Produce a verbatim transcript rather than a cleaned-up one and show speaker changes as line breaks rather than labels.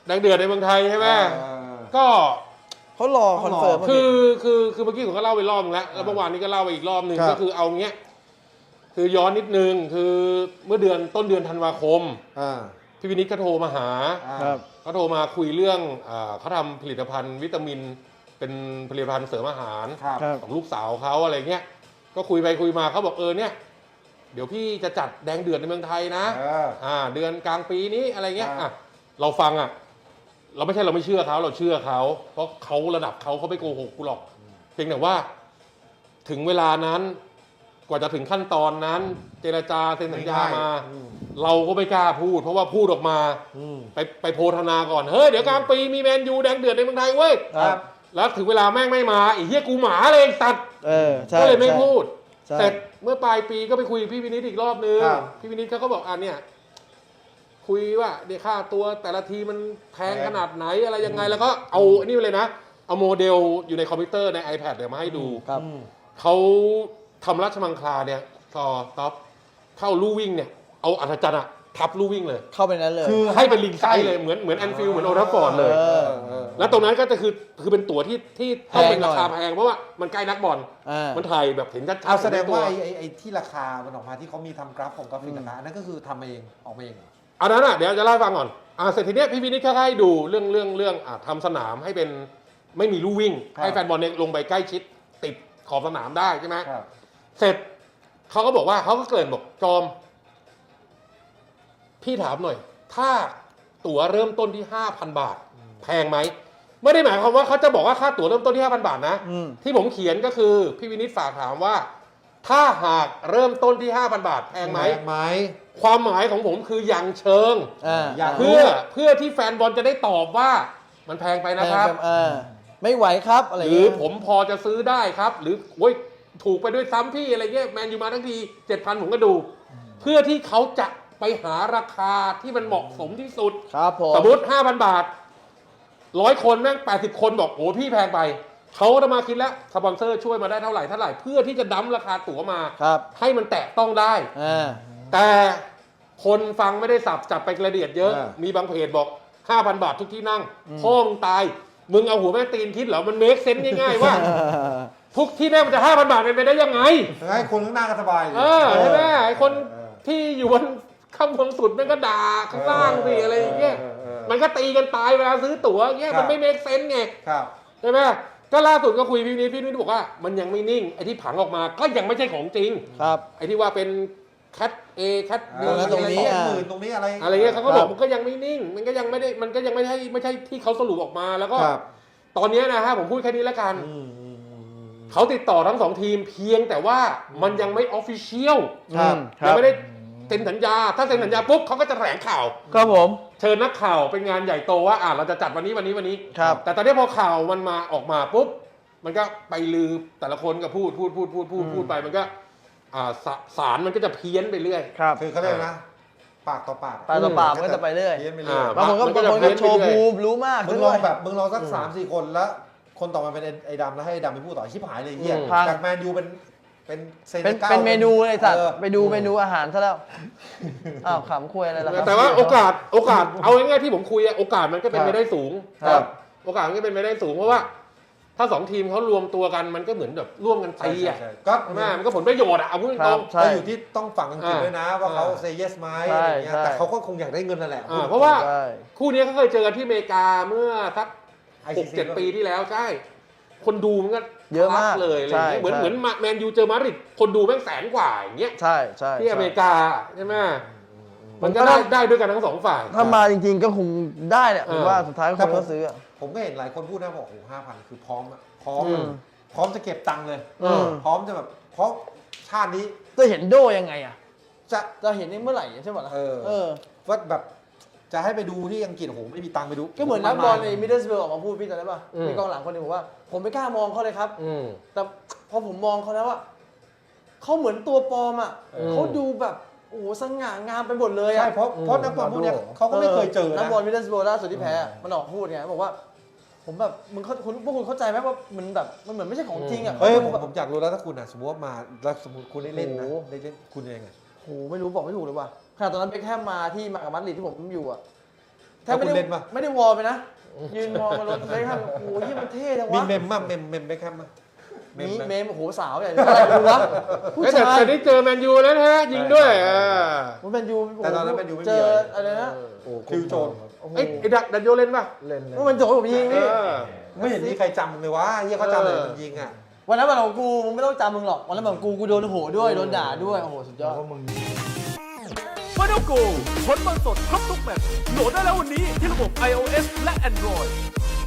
แดงเดือดในเมืองไทยใช่ไหมก็
เขารอคอนเฟิร์ม
คือคือคือเมื่อกี้ผมก็เล่าไปรอบนึงแล้วแล้วเมื่อวานนี้ก็เล่าไปอีกรอบนึงก็คือเอาเงี้ยคือย้อนนิดนึงคือเมื่อเดือนต้นเดือนธันวาคมพี่วินิจเขาโทรมาหาเขาโทรมาคุยเรื่องเขาทำผลิตภัณฑ์วิตามินเป็นผลิตภัณฑ์เสริมอาหารของลูกสาวเขาอะไรเงี้ยก็คุยไปคุยมาเขาบอกเออเนี่ยเดี๋ยวพี่จะจัดแดงเดือดในเมืองไทยนะอ่าเดือนกลางปีนี้อะไรเงี้ยอ่ะเราฟังอ่ะเราไม่ใช่เราไม่เชื่อเขาเราเชื่อเขาเพราะเขาระดับเขาเขาไม่โกหกกูหรอกเพียงแต่ว่าถึงเวลานั้นกว่าจะถึงขั้นตอนนั้นเจรจาเซ็นสัญญามาเราก็ไม่กล้าพูดเพราะว่าพูดออกมาไปไปโพธนาก่อนเฮ้ยเดี๋ยวกลางปีมีแมนยูแดงเดือดในเมืองไทยเว้ยแล้วถึงเวลาแม่งไม่มาไอ้เหี้ยกูหมาเลยตัดก็เลยไม่พูดเสร็จเมื่อปลายปีก็ไปคุยกับพี่วินิจอีกรอบนึงพี่วินิจเขาก็บอกอ่ะเนี่ยคุยว่าเดี๋ยวค่าตัวแต่ละทีมันแพงขนาดไหนอะไรยังไงแล้วก็เอาอันนี้ไปเลยนะเอาโมเดลอยู่ในคอมพิวเตอร์ใน iPad เดี๋ยวมาให้ดูเขาทำราชมังคลาเนี่ยซอท็อปเข้าลู่วิ่งเนี่ยเอาอัศจรรย์อะทับลู่วิ่งเลย
เข้าไปนั้นเลย
คือให้เป็นลิงไซส์เลยเหมือนเหมือนแอนฟิลด์เหมือนโอทัฟฟอร์ดเลยแล้วตรงนั้นก็จะคือคือเป็นตั๋วที่ที่ต้องเป็นราคาแพงเพราะว่ามันใกล้นักบอลมันถ่ายแบบเห็นชัดๆ
เอาแสดงว่าไอ้ไอ้ที่ราคามันออกมาที่เขามีทำกราฟของกราฟิกราคานั่นก็คือทำเองออกมาเอง
อันนั้นอ่ะเดี๋ยวจะเล่าให้ฟังก่อนอ่าเสร็จทีเนี้ยพี่วินิจเขาให้ดูเรื่องเรื่องเรื่องอ่าทำสนามให้เป็นไม่มีลู่วิ่งให้แฟนบอลเนี่ยลงไปใกล้ชิดติดขอบสนามได้ใช่ไหมเสร็จเขาก็บอกว่าเขาก็เกริ่นบอกจอมพี่ถามหน่อยถ้าตั๋วเริ่มต้นที่ ห้าพัน บาทแพงไหมไม่ได้หมายความว่าเขาจะบอกว่าค่าตั๋วเริ่มต้นที่ ห้าพัน บาทนะที่ผมเขียนก็คือพี่วินิจฝากถามว่าถ้าหากเริ่มต้นที่ ห้าพัน บาทแพงไหมความหมายของผมคืออย่างเชิงเพื่อเพื่อที่แฟนบอลจะได้ตอบว่ามันแพงไปนะครับ
ไม่ไหวครับอะไร
หรือผมพอจะซื้อได้ครับหรือโอ้ยถูกไปด้วยซ้ำพี่อะไรเงี้ยแมนยูมาทั้งที เจ็ดพัน ผมก็ดูเพื่อที่เขาจะไปหาราคาที่มันเหมาะสมที่สุด
ครับผม
สมมติ ห้าพัน บาทร้อยคนแม่งแปดสิบคนบอกโอ้พี่แพงไปเขาจะมาคิดแล้วสปอนเซอร์ช่วยมาได้เท่าไหร่เท่าไหร่เพื่อที่จะดั้มราคาตั๋วมาให้มันแตะต้องได้แต่คนฟังไม่ได้สับจับไปกระเดียดเยอะมีบางเพจบอก ห้าพัน บาททุกที่นั่งพ่อมึงตายมึงเอาหัวแม่ตีนคิดเหรอมันเมคเซนส์ง่ายๆว่าทุกที่นั่งมันจะ ห้าพัน บาทเป็นไปได้ยังไง
ให้คนข้างหน้าก็สบาย
เออใช่ไหมไอ้คนที่อยู่บนข้างบนสุดมันก็ด่าข้างล่างสิอะไรอย่างเงี้ยมันก็ตีกันตายเวลาซื้อตั๋วเงี้ยมันไม่เมคเซนส์ไงใช่ไหมก็ล่าสุดก็คุยพี่นิดพี่นิดบอกว่ามันยังไม่นิ่งไอ้ที่ผังออกมาก็ยังไม่ใช่ของจริง
ครับ
ไอ้ที่ว่าเป็นแคทเอแคทบี
ตรงนี้หมื่นตรงนี้อะไร
อะไรเงี้ยเขาก็บอกมันก็ยังไม่นิ่งมันก็ยังไม่ได้มันก็ยังไม่ใช่ไม่ใช่ที่เขาสรุปออกมาแล้วก็ตอนนี้นะฮะผมพูดแค่นี้แล้วกันเขาติดต่อทั้งสองทีมเพียงแต่ว่ามันยังไม่ออฟฟิเชียลยังไม่ได้เซ็นสัญญาถ้าเซ็นสัญญาปุ๊บเขาก็จะแถลงข่าว
ครับผม
เชิญนักข่าวเป็นงานใหญ่โตว่าอ่าเราจะจัดวันนี้วันนี้วันนี้แต่ตอนนี้พอข่าวมันมาออกมาปุ๊บมันก็ไปลือแต่ละคนก็พูดพูดพูดพูดพูดพูดไปมันก็อ่าสารมันก็จะเพี้ยนไปเรื่อย
คือเขาเรียกนะปากต่อปาก
ปากต่อปากมันก็จะไปเรื่อยบางคนก็บางคนก็โชว์ภูมิรู้มาก
มึงลองแบบมึงลองสักสามสี่คนแล้วคนต่อมาเป็นไอ้ดำแล้วให้ไอ้ดำไปพูดต่อชิบหายเลยเหี้ยจากแมนยูเป็นเป็น
เป็นเมนูไอ้สัตว์ไปดูเมนูอาหารซะแล้วอ้าวขำคุยอะไรล่ะ
แต่ว่าโอกาสโอกาสเอาง่ายๆที่ผมคุยโอกาสมันก็เป็นไปได้สูงครับโอกาสมันก็เป็นไปได้สูงเพราะว่าถ้าสองทีมเขารวมตัวกันมันก็เหมือนแบบร่วมกันตีอ่ะก็แม่มันก็ผลประโยชน์อ่ะเอาพูดตรง
ๆก็อยู่ที่ต้องฝั่งอังกฤษด้วยนะว่าเขาเซย์เยสไหมอะไรอย่างเงี้ยแต่เขาก็คงอยากได้เงินนั่นแหละ
เพราะว่าคู่นี้เขาเคยเจอกันที่อเมริกาเมื่อสักหกเจ็ดปีที่แล้วใช่คนดูมันก็
เยอะมาก
เลยอะไรเงี้ยเหมือนเหมือนแมนยูเจอมาดริดคนดูแม่งแสนกว่าอย่างเงี้ย
ใช่ใช่
ที่อเมริกาใช่ไหมมันก็ได้ได้ด้วยกันทั้งสองฝ่าย
ถ้ามาจริงๆก็คงได้เนี่ยผมว่าสุดท้ายคนก็ซื้อ
ผมก็เห็นหลายคนพูดนะบอกโอ้โหห้าพันคือพร้อมพร้อมพร้อมจะเก็บตังค์เลยพร้อมจะแบบเพราะชาตินี้
จะเห็นโดยังไงอ่ะ
จะ
จะเห็นเมื่อไหร่ใช่ไหมล่ะ
เออว่าแบบจะให้ไปดูที่อังกฤษโอ้โหไม่มีตังค์ไปดู
ก็เหมือนนักบอลในมิดเดิลสเบิร์กออกมาพูดพี่จำได้ป่ะมีกองหลังคนนึงบอกว่าผมไม่กล้ามองเขาเลยครับแต่พอผมมองเขาแล้วว่าเขาเหมือนตัวปลอมอ่ะเขาดูแบบโอ้โหสง่างามไปหมดเลยอ่ะ
ใช่เพราะเพราะนักบอลพวกนี้เขาก็ไม่เคยเจอนะ
นักบอลมิดเดิลสเบิร์กล่าสุดที่แพ้มันออกพูดไงบอกว่าผมแบบมึงเขาคุณพวกคุณเข้าใจไหมว่ามันแบบมันเหมือนไม่ใช่ของจริงอ่ะ
เฮ้ยผมผมอยากรู้แล้วถ้าคุณอ่ะสมมติว่ามาแล้วสมมติคุณได้เล่นนะได้เล่นคุณยังไง
โหไม่รู้บอกไม่ถูกเลยว่ะขนาดตอนนั้นเบ็คแฮมมาที่มากับมาดริดที่ผมอยู่อ่ะแทบไม่
แล้วคุณ
ได้
เล่นปะ
ไม่ได้วอลไปนะ ยืนมองมารถเบคแฮมโอ้ยมันเท่จัง
มี
วะ
เมมมั้ยเมมเมมเบคแฮมมั้ย
มี
ไห
เมมโอ้โหสาวใหญ่อะไรดูวะผู้
เอ้ยแต่
ชาย
แต่ได้เจอแมนยูแล้วนะฮะยิงด้วยอ่า
มันเป็นยู
แต่ตอนนั้นแมนยูไม่มี
เจออะไรนะ
โอ้คิวโจน
โอ้โห
เอ้ยไอ้ดักดันโยเล่นป่ะ
เล่นเลย
มันเป็นโจผมยิง
เอ
นี่
อ
ไม่เห็นมีใครจำเลยวะเฮียเขาจำเลยมันยิงอ่ะ
วันนั้นวันของกูมึงไม่ต้องจำมึงหรอกวันนั้นวันของกูกูโดนโหด้วยโดนด่าด้วยโอ้โหสุดยอด
เพราะมึง
Final Go ผลบอลสดครบทุกแมตช์โหลดได้แล้ววันนี้ที่ระบบ iOS และ Android